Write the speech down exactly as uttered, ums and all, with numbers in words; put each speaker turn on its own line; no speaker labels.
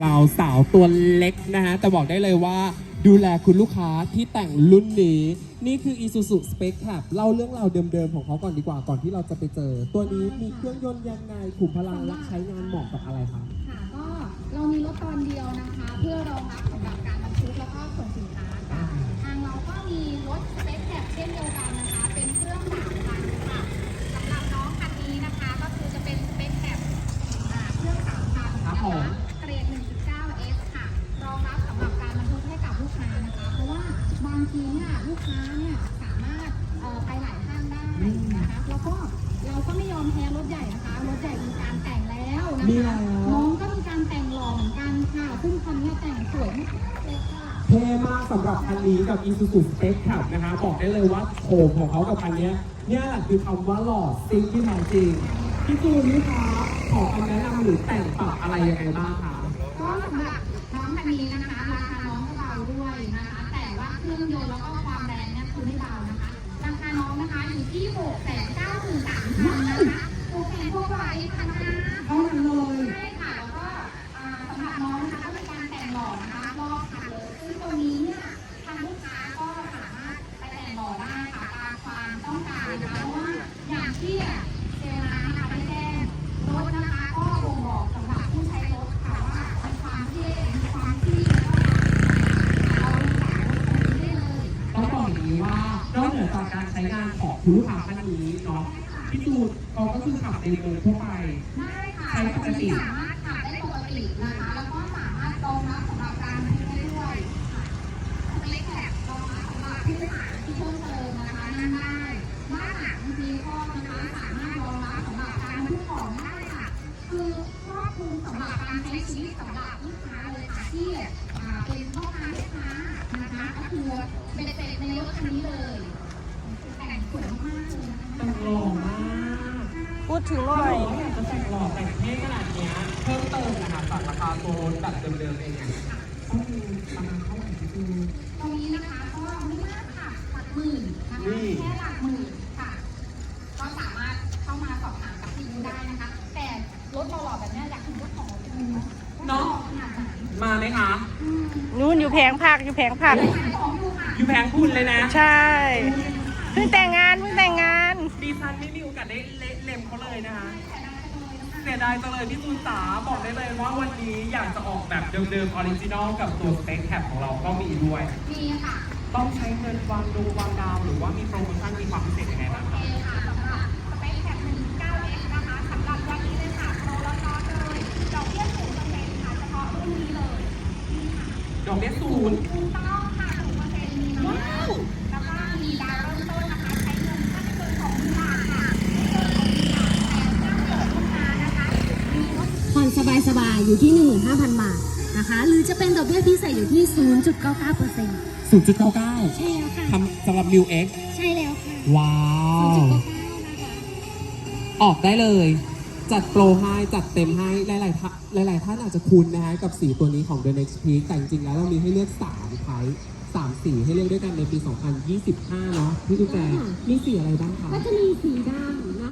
เราสาวตัวเล็กนะฮะแต่บอกได้เลยว่าดูแลคุณลูกค้าที่แต่งรุ่นนี้นี่คือ Isuzu Spec Cab เล่าเรื่องราวเดิมๆของเขาก่อนดีกว่าก่อนที่เราจะไปเจอตัวนี้มีเครื่องยนต์ยังไงขุมพลังและใช้งานเหมาะกับอะไรคะ
ค่ะก็เรามีรถตอนเดียวนะคะเพื่อรองรับสำหรับการบรรทุกแล้วก็ขนสินค้าค่ะทางเราก็มีรถสเปคแคบเช่นเดียวกันนะคะเป็นเครื่องสามพันค่ะสำหรับน้องคันนี้นะคะก็คือจะเป็นสเปคแคบเครื่องสามพันนะคะเกรด หนึ่งจุดเก้า เอส ค่ะรองรับสำหรับการบรรทุกให้กับลูกค้านะคะเพราะว่าบางทีเนี่ยลูกค้าเนี่ยสามารถไปหลายห้างได้นะคะแล้วก็เราก็ไม่ยอมแพ้รถใหญ่นะคะรถใหญ่มีการแต่งแล้วนะคะน้องก็มีการแต่งหล่อเหมือนกันค่ะซึ่งคันนี้แต่งสวยมากเลยค่ะ
เท่มากสำหรับคันนี้กับ Isuzu Spec Cab นะคะบอกได้เลยว่าโฉมของเขากับคันนี้เนี่ยแหละคือคำว่าหล่อซิงที่แท้จริงพี่จูนนี่คะขอคำแนะนำหรือแต่งปรับอะไรยังไงบ้างคะ
ก็สำหรับน้องคันนี้นะคะราคาน้องก็เบาด้วยนะคะแต่ว่าเครื่องยนต์แล้วก็ความแรงเนี่ยคือไม่เบานะคะราคาน้องนะคะอยู่ที่หกแสนเก้าหมื่นสามพันนะคะโอเคพวกไว้พันห้าเท่านั้นเลยใช่ค่ะแล้วก็สำหรับน้องนะคะก็มีการแต่งหล่อนะคะรอบคันเลยซึ่งตัวนี้เนี่ยทางลูกค้าก็สามารถไปแต่งหล่อได้ค่ะตามความต้องการนะคะเพราะว่าอย่างที่เซลล์ร้านนะคะได้แจ้งรถนะคะก็บ่งบอกสำหรับผู้ใช้รถค่ะว่ามีความเท่มีความที่เราสายรถคันนี้ได้เลย
ต้องบอกอย่างนี้ว่านอกเหนือจากการใช้งานของคุณลูกค้าท่านนี้เนาะพี่จูนเขาก็คือขับในเมืองทั่วไป
ได้ค่ะใช้ปกติสามารถขับได้ปกตินะคะแล้วก็สามารถรองรับสำหรับการบรรทุกได้ด้วยสเล็กแคบรองรับสำหรับผู้โดยสารที่เพิ่มเติมนะคะนั่งได้บ้านหลังมีข้อนะคะสามารถรองรับสำหรับการบรรทุกของได้ค่ะคือครอบคลุมสำหรับการใช้ชีวิตสำหรับลูกค้าเลยค่ะที่เป็นพ่อค้าแม่ค้านะคะก็คือเป็นเศษในรถคันนี้เลยแต่งสวยมากเลย
แต่งหล่อมาก
พูดถึงหน่อย
อยากจะแต่งหล่อแต่งเท่ขนาดนี้เพิ่มเติมนะคะจากราคาตัวรถแบบเดิมๆเองต้องมีประมาณเท่าไหร่พี่จูน
ตรงนี้นะคะก็ไม่มากค่ะหลักหมื่นนะคะแค่หลักหมื่นค่ะก็สามารถเข้ามาสอบถามกับพี่ได้นะคะแต่รถหล่อๆแบบนี้อยากถึงรถของจริง
เนาะมาไหมคะ
นู่นอยู่แผงผักอยู่แผงผัก
อยู่แผงคุณเลยนะ
ใช่เพิ่งแต่งงานเพิ่งแต่งงาน
ดิฉันไม่มีโอกาสได้เล็มเขาเลยนะคะเสียดายจังเลยพี่จูนจ๋าบอกได้เลยว่าวันนี้อยากจะออกแบบเดิมๆออริจินอลกับตัวสเปคแคปของเราก็มีด้วย
มีค่ะ
ต้องใช้เงินวางดูวางดาวหรือว่ามีโปรโมชั่นมีความพิเศษยังไงบ้างครับ
ค่ะสำหรับสเปคแคป หนึ่งจุดเก้า เอส นะคะสำหรับวันนี้เลยค่ะโปรลดน้อยเลยดอกเบี้ยศูนย์เปอร์เซ็นต์ค่ะเฉพาะรุ่นนี้เลยนี่ค่ะ
ดอกเบี้ยศูนย์
ถูกต้องค่ะศูนย์เปอร์เซ็นต์มีน้อยแล้วก็มีดาวเริ่มต้นนะคะใช้เงินถ้าไม่เกินสองหมื่นบาทค่ะไม่เกินสองหมื่นบาทแต่ถ้าเกิดลูกค้านะคะ
ผ่อนสบายๆอยู่ที่ หนึ่งหมื่นห้าพัน บาทนะคะหรือจะเป็นดอกเบี้ยพิเศษอยู่ที่ ศูนย์จุดเก้าเก้าเปอร์เซ็นต์
ศูนย์จุดเก้าเก้า
ใช่แล้วค่ะ
ทำสำหรับ New X
ใช่แล้วค่ะ
ว้าว
ศูนย์จุดเก้าเก้า นะคะ
ออกได้เลยจัดโปรให้จัดเต็มให้หลายๆท่านหลายๆท่านอาจจะคุ้นนะฮะกับสีตัวนี้ของ The Next Peak แต่จริงๆแล้วเรามีให้เลือกสามไทป์สามสีให้เลือกด้วยกันในปี สองพันยี่สิบห้า เนาะพี่ตุ๊กแกมีสีอะไรบ้างคะ
ก็จะมีสีดำ